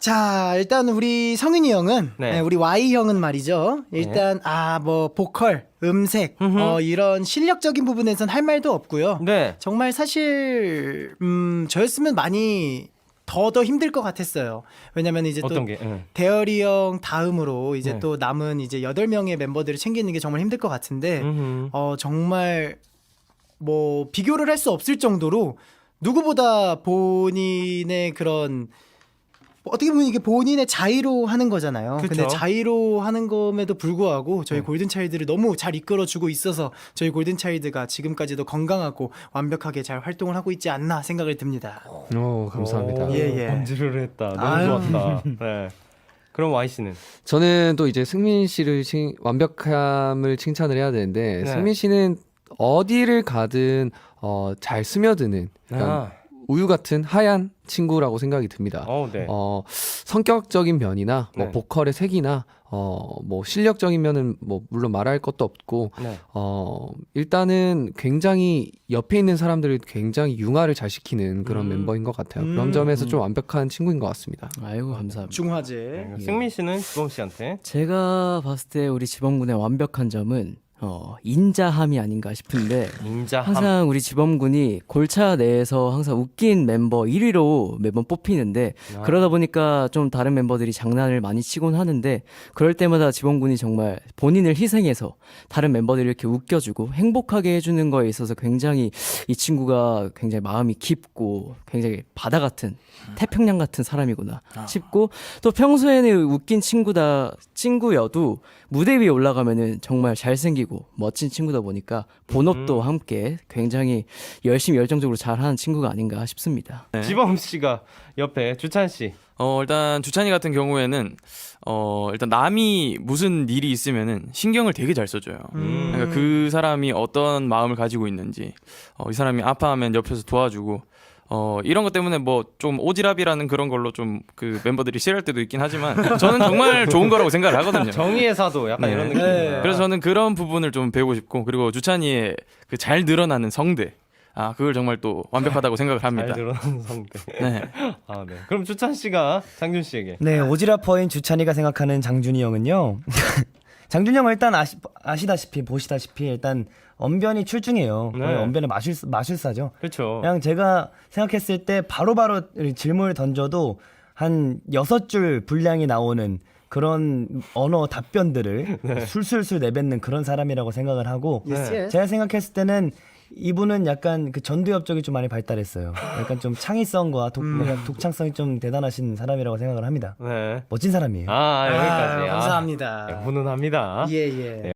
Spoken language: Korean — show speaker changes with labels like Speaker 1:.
Speaker 1: 자, 일단 우리 성윤이 형은
Speaker 2: 네.
Speaker 1: 네, 우리 Y 형은 말이죠. 일단 뭐 보컬, 음색 이런 실력적인 부분에선 할 말도 없고요.
Speaker 2: 네.
Speaker 1: 정말 사실 저였으면 많이 더 힘들 것 같았어요. 왜냐면 이제
Speaker 2: 어떤
Speaker 1: 또
Speaker 2: 게? 응.
Speaker 1: 대열이 형 다음으로 이제
Speaker 2: 네.
Speaker 1: 또 남은 이제 8명의 멤버들을 챙기는 게 정말 힘들 것 같은데
Speaker 2: 음흠.
Speaker 1: 정말 뭐 비교를 할 수 없을 정도로 누구보다 본인의 그런 어떻게 보면 이게 본인의 자의로 하는 거잖아요.
Speaker 2: 그쵸.
Speaker 1: 근데 자의로 하는 kom에도 불구하고 저희 골든차일드를 너무 잘 이끌어주고 있어서 저희 골든차일드가 지금까지도 건강하고 완벽하게 잘 활동을 하고 있지 않나 생각을 듭니다.
Speaker 3: 오, 감사합니다.
Speaker 1: 예.
Speaker 2: 번지를 했다. 너무
Speaker 1: 아유.
Speaker 2: 좋았다. 네. 그럼 Y 씨는?
Speaker 3: 저는 또 이제 승민 씨를 완벽함을 칭찬을 해야 되는데
Speaker 2: 네.
Speaker 3: 승민 씨는 어디를 가든 잘 스며드는 약간 우유 같은 하얀 친구라고 생각이 듭니다.
Speaker 2: 네.
Speaker 3: 성격적인 면이나 뭐
Speaker 2: 네.
Speaker 3: 보컬의 색이나 뭐 실력적인 면은 뭐 물론 말할 것도 없고
Speaker 2: 네.
Speaker 3: 일단은 굉장히 옆에 있는 사람들을 굉장히 융화를 잘 시키는 그런 멤버인 것 같아요. 그런 점에서 좀 완벽한 친구인 것 같습니다.
Speaker 4: 아이고 감사합니다.
Speaker 1: 중화제.
Speaker 2: 네. 승민 씨는 지범 씨한테?
Speaker 4: 제가 봤을 때 우리 지범군의 완벽한 점은 인자함이 아닌가 싶은데
Speaker 2: 인자함.
Speaker 4: 항상 우리 지범군이 골차 내에서 항상 웃긴 멤버 1위로 매번 뽑히는데 그러다 보니까 좀 다른 멤버들이 장난을 많이 치곤 하는데 그럴 때마다 지범군이 정말 본인을 희생해서 다른 멤버들을 이렇게 웃겨주고 행복하게 해주는 거에 있어서 굉장히 이 친구가 굉장히 마음이 깊고 굉장히 바다 같은 태평양 같은 사람이구나 싶고 또 평소에는 웃긴 친구여도 무대 위에 올라가면은 정말 잘생기고 멋진 친구다 보니까 본업도 함께 굉장히 열심히 열정적으로 잘하는 친구가 아닌가 싶습니다.
Speaker 2: 지범 씨가 옆에 주찬 씨.
Speaker 5: 일단 주찬이 같은 경우에는 일단 남이 무슨 일이 있으면은 신경을 되게 잘 써줘요. 그러니까 그 사람이 어떤 마음을 가지고 있는지, 이 사람이 아파하면 옆에서 도와주고, 이런 것 때문에 뭐 좀 오지랖이라는 그런 걸로 좀 그 멤버들이 싫어할 때도 있긴 하지만 저는 정말 좋은 거라고 생각을 하거든요.
Speaker 2: 정의의 사도 약간
Speaker 5: 네.
Speaker 2: 이런 느낌이에요.
Speaker 5: 그래서 저는 그런 부분을 좀 배우고 싶고, 그리고 주찬이의 그 잘 늘어나는 성대, 그걸 정말 또 완벽하다고 생각을 합니다.
Speaker 2: 잘 드러나는 성대.
Speaker 5: 네.
Speaker 2: 네. 그럼 주찬 씨가 장준 씨에게.
Speaker 6: 네, 오지랖퍼인 주찬이가 생각하는 장준이 형은요. 장준이 형은 일단 보시다시피 일단 언변이 출중해요.
Speaker 2: 네.
Speaker 6: 거의 언변의 마술사죠.
Speaker 2: 그렇죠.
Speaker 6: 그냥 제가 생각했을 때 바로바로 질문을 던져도 한 6줄 분량이 나오는 그런 언어 답변들을 술술술 내뱉는 그런 사람이라고 생각을 하고
Speaker 1: Yes.
Speaker 6: 제가 생각했을 때는 이분은 약간 그 전두엽 쪽이 좀 많이 발달했어요. 약간 좀 창의성과 독창성이 좀 대단하신 사람이라고 생각을 합니다.
Speaker 2: 네.
Speaker 6: 멋진 사람이에요.
Speaker 2: 여기까지.
Speaker 1: 감사합니다.
Speaker 2: 훈훈합니다.
Speaker 1: 예.